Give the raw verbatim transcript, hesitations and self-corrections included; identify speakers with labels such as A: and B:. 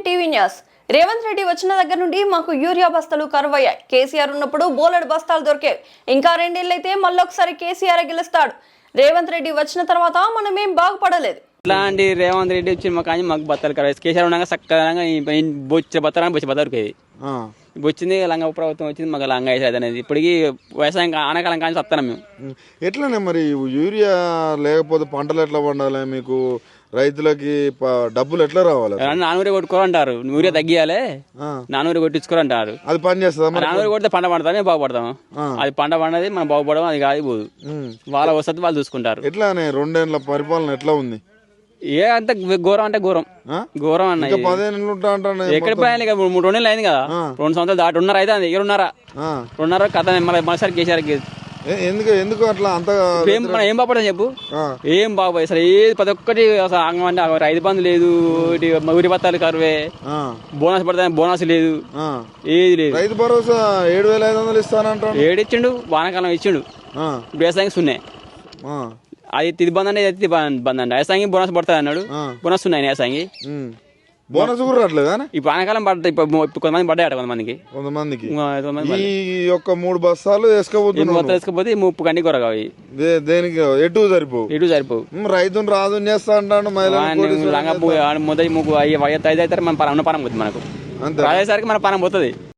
A: TV news. Revanth Reddy వచ్చిన దగ్గర నుండి మాకు యూరియా బస్తాలు కరువయ్యాయి. కేసీఆర్ ఉన్నప్పుడు బోలెడు బస్తాలు దొరికేవి. ఇంకా రెండేళ్లైతే మళ్ళొకసారి కేసీఆర్ గెలుస్తాడు. రేవంత్ రెడ్డి వచ్చిన తర్వాత మనం ఏం బాగుపడలేదు.
B: ఇట్లాంటి రేవంత్ రెడ్డి వచ్చి మాకు కానీ మాకు బత్తాలు కరువు. కేసీఆర్ ఉండగా చక్కగా బొచ్చే బత్తాలని బొచ్చే బత్త దొరికేది. వచ్చింది లంగా ప్రభుత్వం వచ్చింది, మాకు లంగా వేసేది అనేది. ఇప్పటికి వ్యవసాయం ఆనకాలం కానీ వస్తాను మేము.
C: ఎట్లనే మరి యూరియా లేకపోతే పంటలు ఎట్లా పండాలి? మీకు రైతులకి డబ్బులు ఎట్లా రావాలి?
B: నానూరి కొట్టుకోరంటారు, యూరియా తగ్గియాలి, నానూరి కొట్టించుకోరంటారు.
C: అది పని చేస్తుందా?
B: నానూరి కొడితే పంట పండుతా మేము బాగుపడతాము. అది పంట పండది మనం బాగుపడము, అది కాదు పోదు. వాళ్ళ వసతి వాళ్ళు చూసుకుంటారు.
C: ఎట్లానే రెండేళ్ల పరిపాలన ఎట్లా ఉంది?
B: ఏ అంత ఘోరం అంటే ఘోరం ఘోరం అన్న. ఎక్కడ పోయాలి? మూడు రెండు నెలలు అయింది కదా, రెండు సంవత్సరాలు దాటి ఉన్నర అయితే అది ఉన్నారా రెండున్నర కథ మరోసారి కేసీఆర్
C: ఎందుకు ఎందుకు అట్లా అంత
B: ఏం మనం ఏం బాగుపడతాం చెప్పు? ఏం బాగుపోయి అసలు ఏది ప్రతి ఒక్కటి అసలు ఆగం అంటే రైతు బంధు లేదు, ఊరి బత్తాలు కరువే, బోనస్ పడతా బోనస్ లేదు, ఏది లేదు.
C: రైతు భరోసా ఏడు వేల ఐదు వందలు ఇస్తానంటాడు.
B: ఏడు ఇచ్చిండు, వానాకాలం ఇచ్చిండు, వ్యవసాయం సున్నే. అది తిది బంద్ అంటే తిది బంద్ అండి. వ్యవసాయం బోనస్ పడుతుంది అన్నాడు, బోనస్ ఉన్నాయి వ్యవసాయం.
C: బోనస్ కూడా రావట్లేదు.
B: ఇప్పుడు వానాకాలం పడతాయి, ఇప్పుడు కొంతమంది పడ్డాయట కొంతమందికి
C: కొంతమందికి ఈ యొక్క మూడు బస్తాలు వేసుకోబోతున్నారు.
B: వేసుకోపోతే ముప్పు కండి కొరగా
C: దేనికి ఎటు సరిపోవు
B: ఎటు సరిపోవు.
C: రైతును రాదు చేస్తా అంటాడు.
B: మొదటి ముగ్గు ఐదు అవుతారు, మన పరం పరం పోతుంది మనకు. రాసేసరికి మన పరం పోతుంది.